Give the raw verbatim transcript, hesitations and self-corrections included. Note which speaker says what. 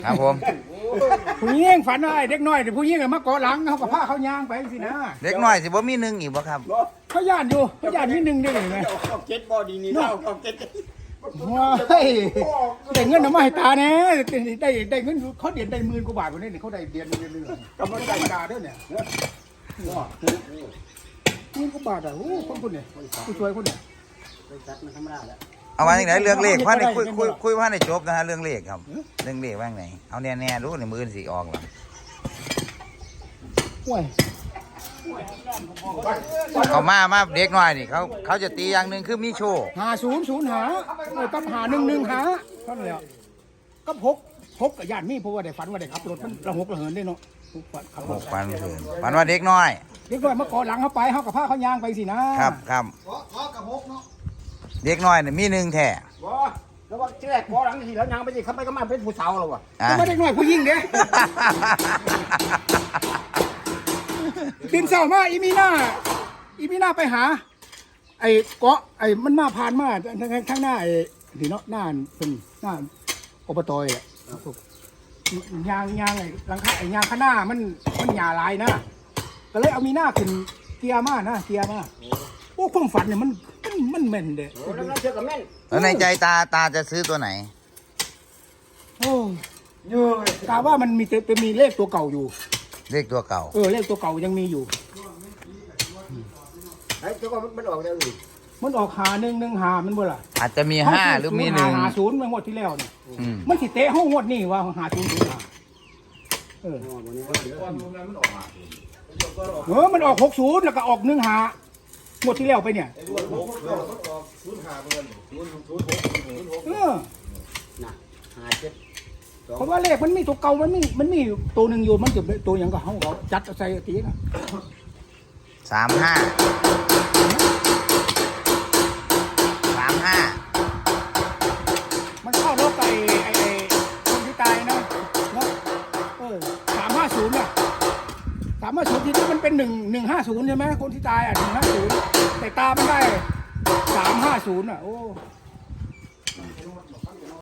Speaker 1: ครับผม
Speaker 2: ผู้หญิงฝันว่าไอ้เด็กน้อยแต่ผู้หญิงมาเกาะหลังเขากับผ้าเขาย่างไปสินะ
Speaker 1: เด็กน้อยสิบ่มีหนึ่งอีกบ่ครับ
Speaker 2: เขาย่านอยู่เขาย่านนิดนึงได้ไหม
Speaker 3: เอาเก็ตบอดีนี่เล่าเอาเก็ต
Speaker 2: ว้ายได้เงินเอามาให้ตาแน่ได้ได้เงินเขาเดือนได้หมื่นกว่าบาทคนนี้เขาได้เดือนเดือนนึงกำลังธรรมดาด้วยเนี่ยหมื่นกว่าบาทอ่ะโอ้คนคนเนี่ยผู้ช่วยคนเนี่ย
Speaker 1: เอามาจากไหนเรื่องเลขว่าในคุยคุยคุยว่าในจบนะฮะเรื่องเลขครับเรื่องเลขว่าไงเอาแน่แน่รู้ในมือสีออกหรอ
Speaker 2: ห่วย
Speaker 1: เขามามาเด็กน้อยนี่เขาเขาจะตีอย่างหนึ่งคือมีโชว์
Speaker 2: หาศูนย์ศูนย์หากับหาหนึ่งหนึ่งหาเท่านั้นแหละก็พกพกกับญาตินี่เพราะว่าได้ฝันว่าได้ขับรถมันระหกระเหินได้เนาะขับ
Speaker 1: ห
Speaker 2: รถ
Speaker 1: กพันเถินฝันว่าเด็กน้อย
Speaker 2: เด็กน้อยมาเกาะหลังเขาไปเขากับผ้าเขาย่างไปสินะครับ
Speaker 1: ครับเด็กน้อยเนี่ยมีหนึ่งแท้
Speaker 3: ว้าแล้วว่าแรกพอหลังทีแล้วยังไปสิเขาไปก็มาเป็นผู้สาวแล้ววะ
Speaker 1: อ่ะ
Speaker 2: แต่ว่าเด็กน้อยผู้หญิงเด้บินเศร้ามาอีมีหน้าอีมีหน้าไปหา ไอ้เกาะไอ้มันมาผ่านมาทางข้างหน้าไอ้ที่เนาะหน้าเป็นหน้าอบตอ่ะยางยางไอ้หลังคาไอ้ยางข้างหน้ามันมันหยาลายนะก็เลยเอามีหน้าขึ้นเกียร์มานะเกียร์มาโอ้ความฝันเนี่ยมันมันมันแม่นเด้
Speaker 3: โอ้แล้วเราเชื่อกับแม่น
Speaker 1: แล้วในใจตาตาจะซื้อตัวไหน
Speaker 2: โอ้ยกาว่ามันมีเป็นมีเลขตัวเก่าอยู่
Speaker 1: เลขตัวเก่า
Speaker 2: เออเลขตัวเก่ายังมีอยู่
Speaker 3: ไอ้เจ้าก็มันออกแล้วนี่
Speaker 2: มันออกหาหนึ่งหนึ่งหามันบ่ล่ะ
Speaker 1: อาจจะมีห้าหรือมีหนึ่ง
Speaker 2: หาศูนย์เมื่องวดที่แล้วเนี่ย
Speaker 1: อืม
Speaker 2: มันสิเตะห้องงวดนี่ว่าหาศูนย์ศูนย์หาเออเออมันออกหกศูนย์แล้วก็ออกหนึ่งหางวดที่แล้วไปเนี่ยเออ
Speaker 3: น่ะหาเจ็ด
Speaker 2: เพราะว่าเลขมันมีตัวเก่ามันมีมันมีตัวหนึ่งอยู่มันจะตัวอย่างก็เขาเขาจัดใส่ตีนะ
Speaker 1: สามห้าสามห้า
Speaker 2: มันเข้ารถไอ้ไอ้ไอ้คนที่ตายนะเนาะเออสามห้าศูนย์เนี่ยสามห้าศูนย์ทีนี้มันเป็นหนึ่งหนึ่งห้าศูนย์ใช่ไหมคนที่ตายอ่ะหนึ่งห้าศูนย์แต่ตามันได้สามห้าศูนย์อ่ะโอ้